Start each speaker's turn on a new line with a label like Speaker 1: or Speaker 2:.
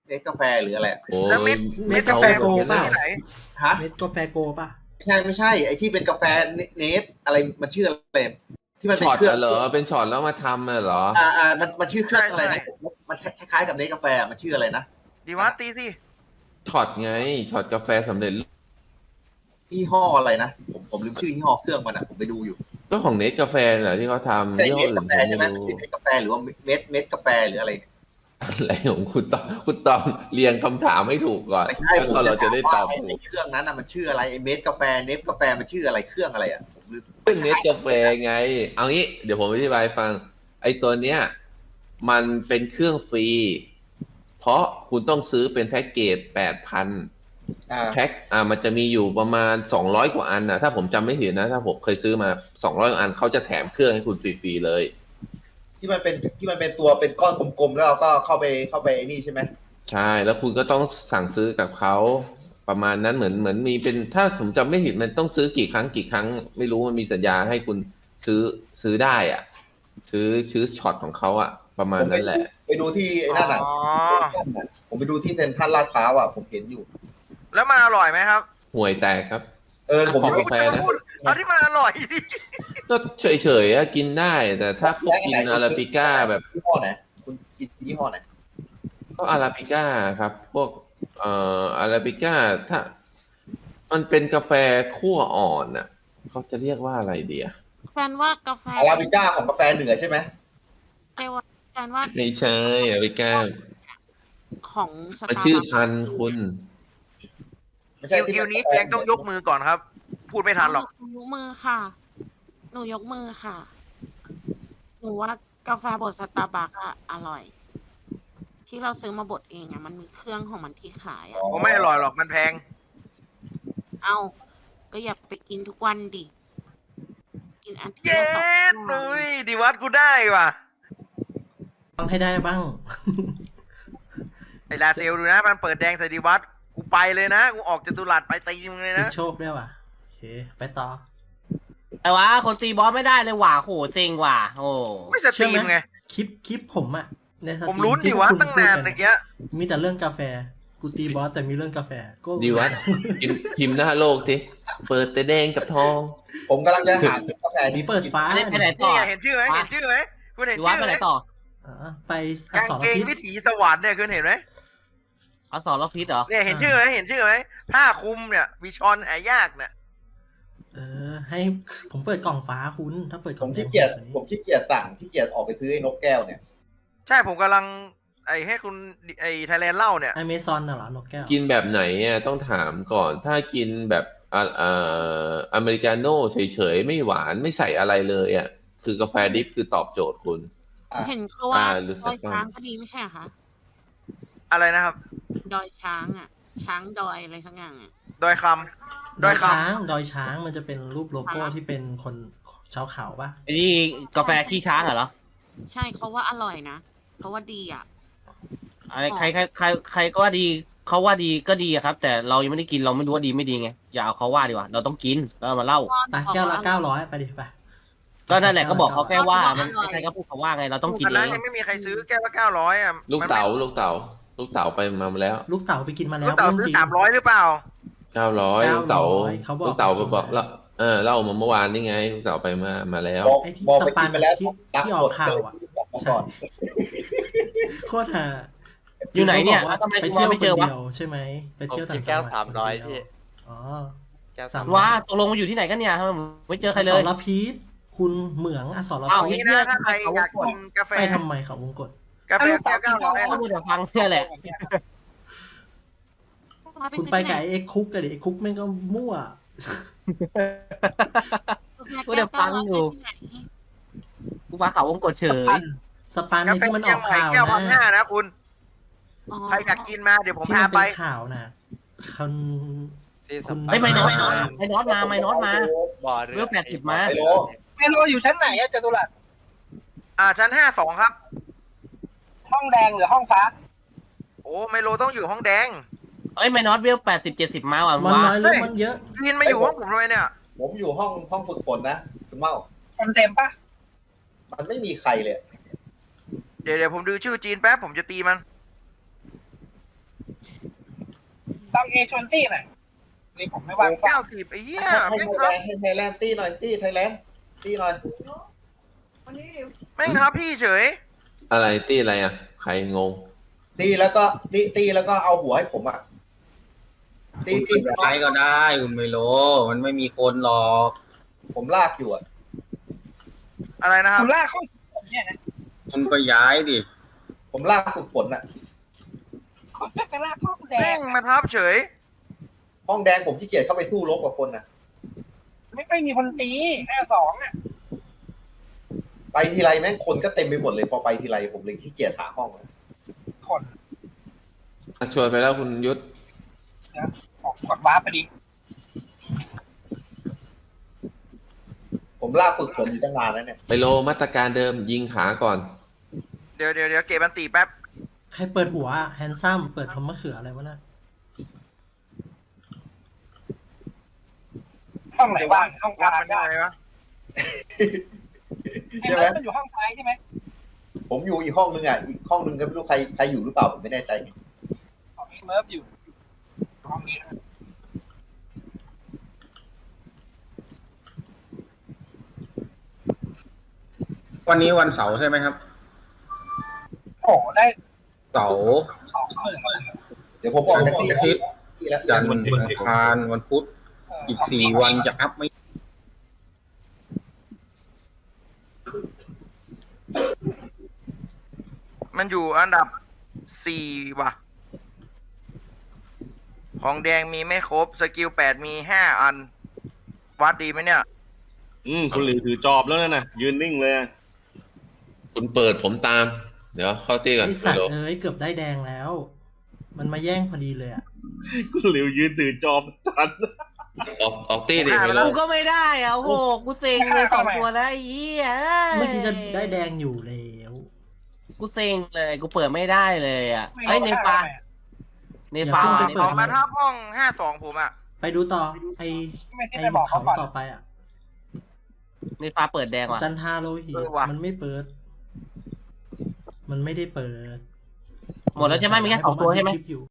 Speaker 1: เนสกาแฟหรืออะไร
Speaker 2: โอ้
Speaker 3: แล้วเม็ด
Speaker 2: เม็ด
Speaker 3: กาแฟโก
Speaker 2: เปล่า
Speaker 3: ที่ไหน
Speaker 1: ฮะ
Speaker 4: เม็ดกาแฟโกป่ะ
Speaker 1: ไม่ใช่ไอ้ที่เป็นกาแฟเนสอะไรมันชื่ออะไรที่มันเป็น
Speaker 2: ช็อต
Speaker 1: เครื่อง
Speaker 2: เหรอเป็นช็อตแล้วมาทำเหรอ
Speaker 1: มันชื่อเครื่องอะไรนะมันคล้ายๆกับเนสกาแฟมันชื่ออะไรนะ
Speaker 3: ดีวัดตีสิ
Speaker 2: ช็อตไงช็อตกาแฟสำเร็จรูป
Speaker 1: ยี่ห้ออะไรนะผมลืมชื่อยี่ห้อเครื่องมันผมไปดูอยู่
Speaker 2: ก็ของเนสกาแฟเหรอที่เขาทำ
Speaker 1: ใช่
Speaker 2: ยี่ห้
Speaker 1: เน
Speaker 2: อ
Speaker 1: ส
Speaker 2: อื่
Speaker 1: กาน แฟ
Speaker 2: ผม
Speaker 1: ใช่ไหม
Speaker 2: ไม่รู้
Speaker 1: ชื่อเนสกาแฟหรือว่าเม็ดกาแฟหรืออะไรเนี่ย
Speaker 2: อะไรของคุณตองเรียงคำถามให้ถูกก่อน
Speaker 1: ไม่ใช่
Speaker 2: แล้วก็เราจะได้ตอบ
Speaker 1: ไอ้
Speaker 2: ถูก
Speaker 1: เครื่องนั้นน่ะมันชื่ออะไรไอ้เม็ดกาแฟเนสกาแฟมันชื่ออะไรเครื่องอะไรอ่ะผมลืม
Speaker 2: เป็นเนสกาแฟไง เอางี้เดี๋ยวผมอธิบายฟัง ไอ้ตัวเนี้ยมันเป็นเครื่องฟรี เพราะคุณต้องซื้อเป็นแพ็กเกจ 8,000 แพ็คมันจะมีอยู่ประมาณ200กว่าอันนะถ้าผมจำไม่ผิดนะ ถ้าผมเคยซื้อมา200กว่าอันเขาจะแถมเครื่องให้คุณฟรีๆเลย
Speaker 1: ที่มันเป็นตัวเป็นก้อนกลมๆแล้วเราก็เข้าไปนี่ใช่ไหม
Speaker 2: ใช่แล้วคุณก็ต้องสั่งซื้อกับเขาประมาณนั้นเหมือนมีเป็นถ้าผมจำไม่ผิดมันต้องซื้อกี่ครั้งไม่รู้มันมีสัญญาให้คุณซื้อได้อ่ะ ซื้อช็อตของเขาอ่ะ ประมาณนั้นแหละ
Speaker 1: ไปดูที่ไอ้นั่นอ่ะ
Speaker 3: อ๋อ
Speaker 1: ผมไปดูที่เซ็นทรัลลาดพร้าวอ่ะผมเห็นอยู่
Speaker 3: แล้วมันอร่อยไหมครับ
Speaker 2: ห่วยแตกครับ
Speaker 1: ผม
Speaker 2: ของกาแฟนะ
Speaker 3: เอาที่มันอร่อยดิ
Speaker 2: ก็เฉยๆอะกินได้ แต่ถ้าพวกกินอาราบิก้าแบบ
Speaker 1: ยี่ห้อไหนคุณกินยี่ห้อไหน
Speaker 2: ก็อาราบิก้าครับ พวกอาราบิก้าถ้า มันเป็นกาแฟคั่วอ่อนอ่ะเขาจะเรียกว่าอะไรดีอะ
Speaker 5: แฟนว่ากาแฟ
Speaker 1: อาราบิก้าของกาแฟเหนือใช่ไหม
Speaker 5: แฟนว่า
Speaker 2: ไม่ใช่อาราบิก้า
Speaker 5: ของส
Speaker 2: มัน
Speaker 5: ตาร์
Speaker 2: ชื่อ
Speaker 5: บัค
Speaker 2: พันธุ์คุณ
Speaker 1: ไม่ใช่
Speaker 3: คิวนี้แจงต้องยกมือก่อนครับ พูดไม่ทันหรอก
Speaker 5: หนูยกมือค่ะ หนูยกมือค่ะ หนูว่ากาแฟบดสตาร์บัคอะอร่อย ที่เราซื้อมาบดเองอะมันมีเครื่องของมันที่ขายอะ
Speaker 3: ผมไม่อร่อยหรอกมันแพง
Speaker 5: เอาก็อย่าไปกินทุกวันดิ กินอันที่
Speaker 3: เย้
Speaker 5: เราตก
Speaker 3: นุ้ยดีวัดกูได้ว่ะ
Speaker 4: ต้องให้ได้บ้าง
Speaker 3: ไอ้ลาเซลดูนะมันเปิดแดงใส่ดีวัดกูไปเลยนะกูออกจตุรัสไปตีมึงเลย
Speaker 4: ติ
Speaker 3: นะ
Speaker 4: ดโชคด้วยว่ะ โอเค ไปต่อ
Speaker 6: ไอ้วะคนตีบอสไม่ได้เลยว่ะโหเซ็งว่ะโอ้
Speaker 3: ไม่สตรีมไง
Speaker 4: คลิปผมอะในสตรี
Speaker 3: ผมลุ้นดิวะตั้งนานเมื่อกี้
Speaker 4: มีแต่เรื่องกาแฟ กูตีบอสแต่มีเรื่องกาแฟก็
Speaker 2: ดีวัดพิมพ์หน้าโลกทีเปิดแต่แดงกับทอง
Speaker 1: ผมกำลังจะหากาแฟ
Speaker 4: นี่
Speaker 1: ที่
Speaker 4: เปิดฟ้า
Speaker 6: ไปไหนต่อ
Speaker 3: นี่เห็นชื่อไหมเห็นชื่อไหมคุณเห็น
Speaker 6: ดีวัด
Speaker 3: ชื่อ
Speaker 6: ไป
Speaker 3: ไห
Speaker 6: ไห
Speaker 3: ม
Speaker 6: นต่อ
Speaker 4: ไปอก
Speaker 3: าง
Speaker 4: สร
Speaker 3: เกง
Speaker 4: พิษ
Speaker 3: วิถีสวรรค์เนี่ยคุณเห็นไหม
Speaker 6: เอาสอนล็อกพิษเหรอ
Speaker 3: เนี่ยเห็นชื่อไหมเห็นชื่อไหมผ้าคลุมเนี่ยวิชอนหายากเนี่ย
Speaker 4: ให้ผมเปิดกล่องฟ้าคุณ ถ้าเปิดก
Speaker 1: ผ
Speaker 4: ล่อง
Speaker 1: ม
Speaker 4: แด
Speaker 1: ขี้
Speaker 4: ง
Speaker 1: เกียจสั่งขี้เกียจออกไปซื้อไอ้นกแก้วเนี่ย
Speaker 3: ใช่ผมกำลังไอ้ให้คุณไอ้ไทยแลนด์เล่าเนี่ย
Speaker 4: อเมซอนน่ะเหรอนกแก้ว
Speaker 2: กินแบบไหนอ่ะต้องถามก่อน ถ้ากินแบบอเมริกาโน่เฉยๆ ไม่หวานไม่ใส่อะไรเลยอ่ะ คือกาแฟดิฟคือตอบโจทย์คุณ
Speaker 5: เห็นเขาว่า
Speaker 2: หรือ
Speaker 5: ด
Speaker 2: สั
Speaker 5: อก ย
Speaker 2: การ
Speaker 5: ช้างก็ดีไม่ใช่เหรอคะ
Speaker 3: อะไรนะครับ
Speaker 5: ดอยช้างอะช้างดอยอะไรสักอย่างอะ
Speaker 3: ดอยค
Speaker 4: ด
Speaker 3: ำด
Speaker 4: อ
Speaker 3: อย ย
Speaker 4: ช้า
Speaker 3: คำ
Speaker 4: ง ดอยช้างมันจะเป็นรูปโลโก้ที่เป็นคนชาวเขาปะ
Speaker 6: ไอ้นี่กาแฟขี้ช้างเหรอ
Speaker 5: ใช่เขาว่าอร่อยนะเขาว่าดีอะ
Speaker 6: อะไรใครก็ว่าดีเขาว่าดีก็ดีอะครับ แต่เรายังไม่ได้กินเราไม่รู้ว่าดีไม่ดีไงอย่าเอาเขาว่าดีกว่าเราต้องกินแล้วเอามาเล่า
Speaker 4: ไปแก้วละ900ไปดิไป
Speaker 6: ก็นั่นแหละก็บอกเขาแค่ว่ามันใครก็พูดเขาว่าไงเราต้องกิน
Speaker 3: อัน
Speaker 6: เอ
Speaker 3: นั้น
Speaker 6: ง
Speaker 3: ยังไม่มีใครซื้อแก้วละ900อ่ะ
Speaker 2: ลูกเต๋าไปมาแล้ว
Speaker 4: ลูกเต๋าไปกินมาแล้
Speaker 3: ลู
Speaker 4: ว
Speaker 3: กเต๋า
Speaker 4: เรื่อง
Speaker 3: ซื้อ
Speaker 4: จริง
Speaker 3: 300หรือเปล่า
Speaker 2: 900ลูกเต๋า
Speaker 4: เขาบอก
Speaker 2: ลูกเต๋าบอกแล้วเล่ามาเมื่อวานนี่ไงลูกเต๋าไปมาแล้ว
Speaker 1: บอก
Speaker 4: ไอ้ที่
Speaker 1: บอก
Speaker 4: ส
Speaker 1: ไป
Speaker 4: ปั
Speaker 1: กิ
Speaker 4: น
Speaker 1: นไปแล้ว
Speaker 4: ที่ออกข่าวอะ
Speaker 1: ก่อน
Speaker 4: โคตรฮา
Speaker 6: อยู่ไหนเนี่ย
Speaker 4: ขาบอกว่า
Speaker 6: ทำไม
Speaker 4: ไป
Speaker 6: กู
Speaker 4: เที่ยว
Speaker 6: ไม่
Speaker 4: ค
Speaker 6: เจ
Speaker 4: น
Speaker 6: อวะ
Speaker 4: เดียวใช่ไหมไปเที่ยว
Speaker 7: ผม
Speaker 4: ต่าง
Speaker 7: กิน
Speaker 4: จั
Speaker 7: แก้
Speaker 4: ง
Speaker 7: ว
Speaker 4: หวัด
Speaker 7: 300
Speaker 4: คนเดียว
Speaker 7: พี่
Speaker 4: อ๋อ
Speaker 7: แก้ว
Speaker 4: สาม
Speaker 7: 300
Speaker 6: ว่าตกลงมาอยู่ที่ไหนกันเนี่ยทำไมไม่เจอใครเล
Speaker 4: ส
Speaker 6: ย
Speaker 4: รพิษคุณเหมืองอสร
Speaker 6: อ้าว
Speaker 4: พิ
Speaker 3: นี่
Speaker 4: ษ
Speaker 3: นะถ้าใครอยากกินกาแฟ
Speaker 4: ไปทำไมเขาวงกต
Speaker 3: กาแฟแก้ว900
Speaker 6: ก็พูดแต่ฟังเนี่ยแหละ
Speaker 4: คุณไปกับไอ้เอ็กคุกกันดิไอ้คุกแม่งก็มั่ว
Speaker 6: พูดแต่ฟังอยู่ กูมาเขาวงกดเฉย
Speaker 4: สปัน
Speaker 3: กา
Speaker 4: นี่
Speaker 3: แฟ
Speaker 4: ที่มันอ
Speaker 3: เชีย
Speaker 4: อง ก
Speaker 3: ใหม่
Speaker 4: ข่าว
Speaker 3: แก้วพันห้า
Speaker 4: นะ
Speaker 3: นะคุณใครอยากกินมาเดี๋ยวผม
Speaker 4: ที่
Speaker 3: พา
Speaker 4: มัน
Speaker 3: ไป
Speaker 4: เป็นข่าวนะคุณ
Speaker 7: ที่
Speaker 4: คุณ
Speaker 6: ไอ้ไม่น้อยมาไม่น้อยมา
Speaker 7: บ่อเรือ
Speaker 6: เรือ80มา
Speaker 1: ไฮโล
Speaker 8: เมโลอยู่ชั้นไหนอะจตุรัส
Speaker 3: ชั้น52ครับ
Speaker 8: ห้องแดงหรือห้องฟ้า
Speaker 3: โอ้ไมโลต้องอยู่ห้องแดง
Speaker 6: เอ้ยไม่น้อยเวล80-70มาว่ะ
Speaker 4: มัน
Speaker 6: ว่า
Speaker 4: น้อยหรือมันเยอะ
Speaker 3: กินมาอยู่ห้องผมทำไมเนี่ย
Speaker 1: ผมอยู่ห้องฝึกฝนนะคุณเมา
Speaker 8: เต็มปะ
Speaker 1: มันไม่มีใครเลย
Speaker 3: เดี๋ยวผมดูชื่อจีนแป๊บผมจะตีมัน
Speaker 8: ตังเอชวนตี้หน่อยนี่ผมไม่ว่าง
Speaker 3: 90ไอ้เหี้ย
Speaker 1: ให้
Speaker 3: แม่ง
Speaker 1: ไท
Speaker 3: ทั
Speaker 1: ย
Speaker 3: บ
Speaker 1: แลนด์ให้ไทยแลนด์ตีหน่อยตีไทยแลนด์ตีหน่อย
Speaker 3: แม่งทับพี่เฉย
Speaker 2: อะไรตี้อะไรอ่ะใครงง
Speaker 1: ตีแล้วก็ตีแล้วก็เอาหัวให้ผมอ่ะตี
Speaker 7: คุณย้ายก็ได้คุณไมโลมันไม่มีคนหรอก
Speaker 1: ผมลากอยู่อ่ะ
Speaker 3: อะไรนะค
Speaker 8: คุ
Speaker 3: รับ
Speaker 8: ณลากเข้าผมเนี่ยนะ
Speaker 7: คุณก็ย้ายดิ
Speaker 1: ผมลากฝึกฝนอ่ะ
Speaker 8: คุณจะไปลากเข้าแด
Speaker 3: แม่
Speaker 8: ง
Speaker 3: งมาทับเฉย
Speaker 1: ห้องแดงผมขี้เกียจเข้าไปสู้รบกับคนน่ะ
Speaker 8: ไม่ค่อยมีคนตี52อ่ะ
Speaker 1: ไปทีไรแม่งคนก็เต็มไปหมดเลยพอไปทีไรผมเลยขี้เกียจหาห้องอะ
Speaker 8: คน
Speaker 2: ชวนไปแล้วคุณยุทธ
Speaker 8: ผมกดวาร์ปไปดิ
Speaker 1: ผมลากฝึกฝนอยู่ตั้งนานแล้วเนี่ย
Speaker 2: ไปโลมาตรการเดิมยิงขาก่อน
Speaker 3: เดี๋ยวเก็บอันตีแป๊บ
Speaker 4: ใครเปิดหัวแฮนซัมเปิดทอมมะเขืออะไรวะน่ะ
Speaker 8: ห้องไหนว่างห้องก
Speaker 3: วั
Speaker 8: ลา
Speaker 3: ด
Speaker 8: ง
Speaker 3: มันได้ไหมวะ
Speaker 8: ใช่
Speaker 1: ใช่
Speaker 8: ไห
Speaker 1: ไห
Speaker 8: ม
Speaker 1: ม
Speaker 8: มันอยู่ห้องซ้ายใช่ไหม
Speaker 1: ผมอยู่อีกห้องนึงอ่ะอีกห้องนึงก็ไม่รู้ใครอยู่หรือเปล่าผมไม่แน่ใจ
Speaker 8: ของเมิร์ฟอยู่ห้องนี้นะ
Speaker 7: วันนี้วันเสาร์ใช่ไหมครับ
Speaker 8: โอ้โหได้
Speaker 7: เสาร์
Speaker 1: เดี๋ยวผมออกจาก
Speaker 7: อา
Speaker 1: ที่
Speaker 7: ทิตย์
Speaker 1: แล้ว
Speaker 7: จันทร์อังคารวันพุธอีก4 วันจะอัพไม่
Speaker 3: มันอยู่อันดับ4ว่ะ ของแดงมีไม่ครบ สกิล8มี5อัน วัดดีไหมเนี่ย
Speaker 9: คุณหลิวถือจอบแล้วนะยืนนิ่งเลยอะ
Speaker 2: คุณเปิดผมตาม เดี๋ยวเข้าตี้ก่อน
Speaker 4: ไอ
Speaker 2: ไป
Speaker 4: สัต
Speaker 2: โล
Speaker 4: ว์เอ้ยเกือบได้แดงแล้ว มันมาแย่งพอดีเลยอ่ะ
Speaker 9: คุณหลิวยืนถือจอบทัน
Speaker 2: ออกตี้ดิไปโล
Speaker 6: กูก็ไม่ได้อ่ะโอ้โหกูเซ็งเลย2 ตัวแล้วไอ้เหี้ย
Speaker 4: เมื่อกี้จะได้แดงอยู่แล้ว
Speaker 6: กูเซ็งเลยกูเปิดไม่ได้เลยอ่ะไอ้ยเนฟาเนฟา
Speaker 4: อย่า
Speaker 6: เน
Speaker 4: เพิ่งไปเปิ
Speaker 3: อ
Speaker 6: ฟา
Speaker 3: อกมาทับห้อง52ผมอ่ะ
Speaker 4: ไปดูต่อไอ
Speaker 8: ไม่ใช่
Speaker 4: ไอ
Speaker 8: ไปบอก
Speaker 4: เขา
Speaker 8: เขาก่อน
Speaker 4: ต่อไปอ่ะ
Speaker 6: เนฟาเปิดแดงว่ะ
Speaker 4: จันทาโลหิต
Speaker 3: เออว่ะ
Speaker 4: มันไม่เปิด มันไม่ได้เปิด
Speaker 6: หมดแล้วใช่ไหมมีแค่2 ตัวใช่ไหม
Speaker 4: ผอัดคลิปอยู่